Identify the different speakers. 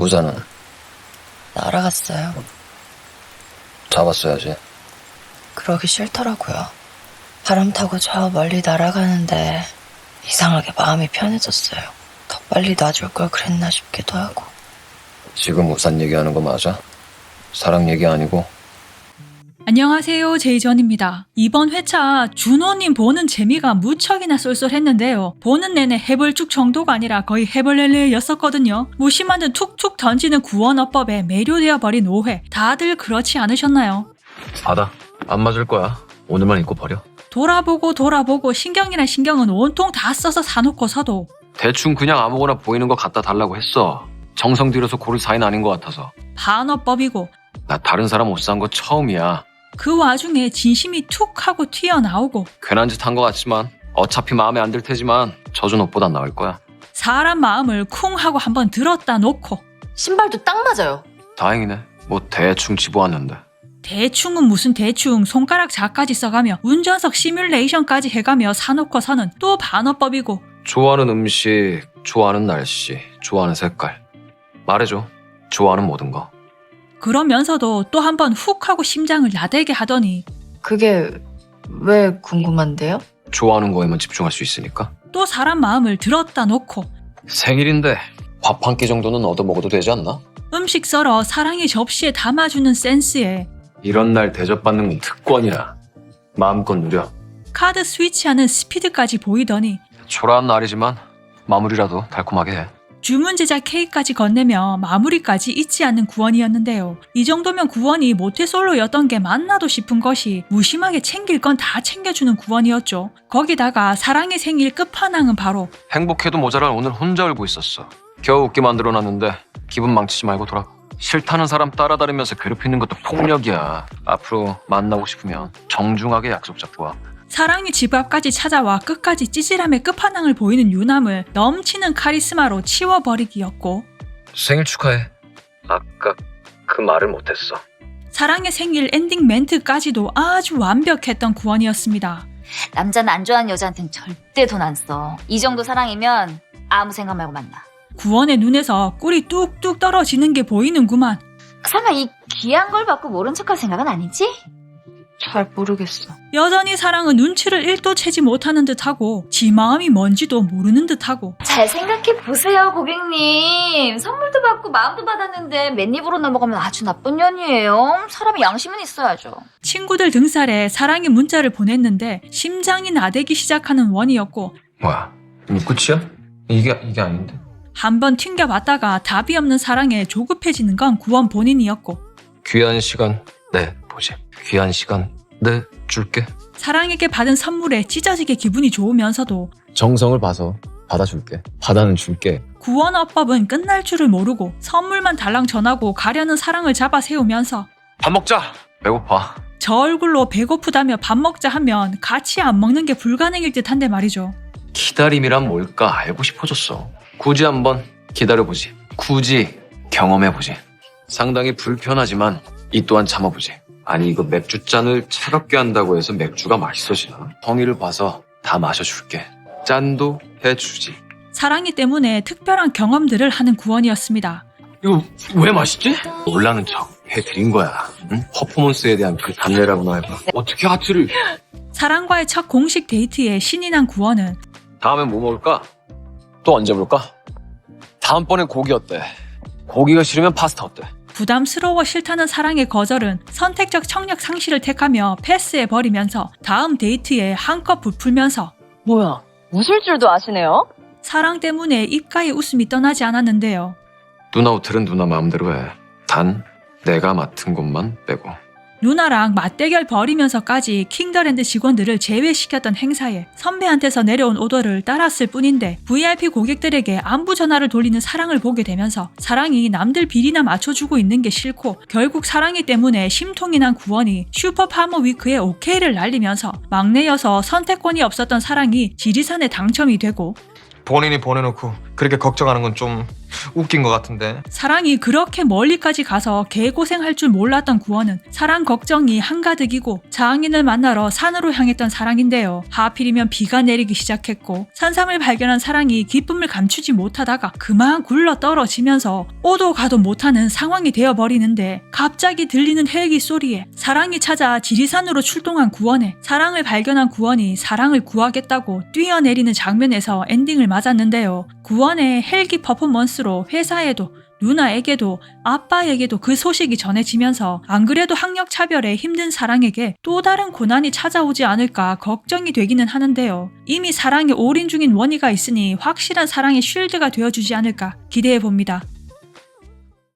Speaker 1: 우산은
Speaker 2: 날아갔어요.
Speaker 1: 잡았어야지.
Speaker 2: 그러기 싫더라고요. 바람 타고 저 멀리 날아가는데 이상하게 마음이 편해졌어요. 더 빨리 놔줄 걸 그랬나 싶기도 하고.
Speaker 1: 지금 우산 얘기하는 거 맞아? 사랑 얘기 아니고?
Speaker 3: 안녕하세요, 제이전입니다. 이번 회차 준호님 보는 재미가 무척이나 쏠쏠했는데요. 보는 내내 해벌쭉 정도가 아니라 거의 해벌렐레였었거든요. 무심한 듯 툭툭 던지는 구원어법에 매료되어 버린 오해. 다들 그렇지 않으셨나요?
Speaker 4: 받아. 안 맞을 거야. 오늘만 입고 버려.
Speaker 3: 돌아보고 신경이란 신경은 온통 다 써서 사놓고서도
Speaker 4: 대충 그냥 아무거나 보이는 거 갖다 달라고 했어. 정성 들여서 고를 사이는 아닌 것 같아서.
Speaker 3: 반어법이고
Speaker 4: 나 다른 사람 옷 산 거 처음이야.
Speaker 3: 그 와중에 진심이 툭 하고 튀어나오고
Speaker 4: 괜한 짓 한 것 같지만 어차피 마음에 안 들 테지만 젖은 옷보단 나을 거야.
Speaker 3: 사람 마음을 쿵 하고 한번 들었다 놓고
Speaker 2: 신발도 딱 맞아요.
Speaker 4: 다행이네. 뭐 대충 집어왔는데.
Speaker 3: 대충은 무슨 대충 손가락 자까지 써가며 운전석 시뮬레이션까지 해가며 사놓고서는 또 반어법이고
Speaker 4: 좋아하는 음식, 좋아하는 날씨, 좋아하는 색깔. 말해줘. 좋아하는 모든 거.
Speaker 3: 그러면서도 또 한번 훅 하고 심장을 나대게 하더니
Speaker 2: 그게 왜 궁금한데요?
Speaker 4: 좋아하는 거에만 집중할 수 있으니까.
Speaker 3: 또 사람 마음을 들었다 놓고
Speaker 4: 생일인데 밥 한 끼 정도는 얻어먹어도 되지 않나?
Speaker 3: 음식 썰어 사랑의 접시에 담아주는 센스에
Speaker 4: 이런 날 대접받는 건 특권이야. 마음껏 누려.
Speaker 3: 카드 스위치하는 스피드까지 보이더니
Speaker 4: 초라한 날이지만 마무리라도 달콤하게 해.
Speaker 3: 주문 제작 케이크까지 건네며 마무리까지 잊지 않는 구원이었는데요. 이 정도면 구원이 모태솔로였던 게 맞나도 싶은 것이 무심하게 챙길 건 다 챙겨주는 구원이었죠. 거기다가 사랑의 생일 끝판왕은 바로
Speaker 4: 행복해도 모자랄 오늘 혼자 울고 있었어. 겨우 웃게 만들어놨는데 기분 망치지 말고 돌아가. 싫다는 사람 따라다니면서 괴롭히는 것도 폭력이야. 앞으로 만나고 싶으면 정중하게 약속 잡고 와.
Speaker 3: 사랑이 집 앞까지 찾아와 끝까지 찌질함의 끝판왕을 보이는 유남을 넘치는 카리스마로 치워버리기였고
Speaker 4: 생일 축하해. 아까 그 말을 못했어.
Speaker 3: 사랑의 생일 엔딩 멘트까지도 아주 완벽했던 구원이었습니다.
Speaker 5: 남자는 안 좋아하는 여자한테는 절대 돈 안 써. 이 정도 사랑이면 아무 생각 말고 만나.
Speaker 3: 구원의 눈에서 꿀이 뚝뚝 떨어지는 게 보이는구만.
Speaker 5: 설마 이 귀한 걸 받고 모른 척할 생각은 아니지?
Speaker 2: 잘 모르겠어.
Speaker 3: 여전히 사랑은 눈치를 1도 채지 못하는 듯하고 지 마음이 뭔지도 모르는 듯하고
Speaker 5: 잘 생각해 보세요, 고객님. 선물도 받고 마음도 받았는데 맨입으로 넘어가면 아주 나쁜 년이에요. 사람이 양심은 있어야죠.
Speaker 3: 친구들 등살에 사랑의 문자를 보냈는데 심장이 나대기 시작하는 원이었고
Speaker 4: 뭐야? 이거 끝이야? 이게 아닌데.
Speaker 3: 한번 튕겨봤다가 답이 없는 사랑에 조급해지는 건 구원 본인이었고
Speaker 4: 귀한 시간 내 보지. 귀한 시간 내 줄게.
Speaker 3: 사랑에게 받은 선물에 찢어지게 기분이 좋으면서도
Speaker 6: 정성을 봐서 받아줄게. 받아는 줄게.
Speaker 3: 구원어법은 끝날 줄을 모르고 선물만 달랑 전하고 가려는 사랑을 잡아 세우면서
Speaker 4: 밥 먹자. 배고파.
Speaker 3: 저 얼굴로 배고프다며 밥 먹자 하면 같이 안 먹는 게 불가능일 듯한데 말이죠.
Speaker 4: 기다림이란 뭘까 알고 싶어졌어. 굳이 한번 기다려보지. 굳이 경험해보지. 상당히 불편하지만 이 또한 참아보지. 아니 이거 맥주잔을 차갑게 한다고 해서 맥주가 맛있어지나? 성의를 봐서 다 마셔줄게. 짠도 해주지.
Speaker 3: 사랑이 때문에 특별한 경험들을 하는 구원이었습니다.
Speaker 4: 이거 왜 맛있지? 놀라는 척 해드린 거야. 응? 퍼포먼스에 대한 그 단례라고나 해봐. 어떻게 하트를...
Speaker 3: 사랑과의 첫 공식 데이트에 신이 난 구원은
Speaker 4: 다음엔 뭐 먹을까? 또 언제 볼까? 다음번엔 고기 어때? 고기가 싫으면 파스타 어때?
Speaker 3: 부담스러워 싫다는 사랑의 거절은 선택적 청력 상실을 택하며 패스해버리면서 다음 데이트에 한껏 부풀면서
Speaker 7: 뭐야, 웃을 줄도 아시네요?
Speaker 3: 사랑 때문에 입가에 웃음이 떠나지 않았는데요.
Speaker 4: 누나 호텔은 누나 마음대로 해. 단 내가 맡은 곳만 빼고.
Speaker 3: 누나랑 맞대결 벌이면서까지 킹더랜드 직원들을 제외시켰던 행사에 선배한테서 내려온 오더를 따랐을 뿐인데 VIP 고객들에게 안부 전화를 돌리는 사랑을 보게 되면서 사랑이 남들 비리나 맞춰주고 있는 게 싫고 결국 사랑이 때문에 심통이 난 구원이 슈퍼파머 위크에 오케이를 날리면서 막내여서 선택권이 없었던 사랑이 지리산에 당첨이 되고
Speaker 8: 본인이 보내놓고 그렇게 걱정하는 건 좀 웃긴 것 같은데.
Speaker 3: 사랑이 그렇게 멀리까지 가서 개고생할 줄 몰랐던 구원은 사랑 걱정이 한가득이고 장인을 만나러 산으로 향했던 사랑인데요. 하필이면 비가 내리기 시작했고 산삼을 발견한 사랑이 기쁨을 감추지 못하다가 그만 굴러 떨어지면서 오도 가도 못하는 상황이 되어버리는데 갑자기 들리는 헬기 소리에 사랑이 찾아 지리산으로 출동한 구원에 사랑을 발견한 구원이 사랑을 구하겠다고 뛰어내리는 장면에서 엔딩을 맞았는데요. 구원의 헬기 퍼포먼스로 회사에도 누나에게도 아빠에게도 그 소식이 전해지면서 안 그래도 학력차별에 힘든 사랑에게 또 다른 고난이 찾아오지 않을까 걱정이 되기는 하는데요. 이미 사랑에 올인 중인 원희가 있으니 확실한 사랑의 쉴드가 되어주지 않을까 기대해봅니다.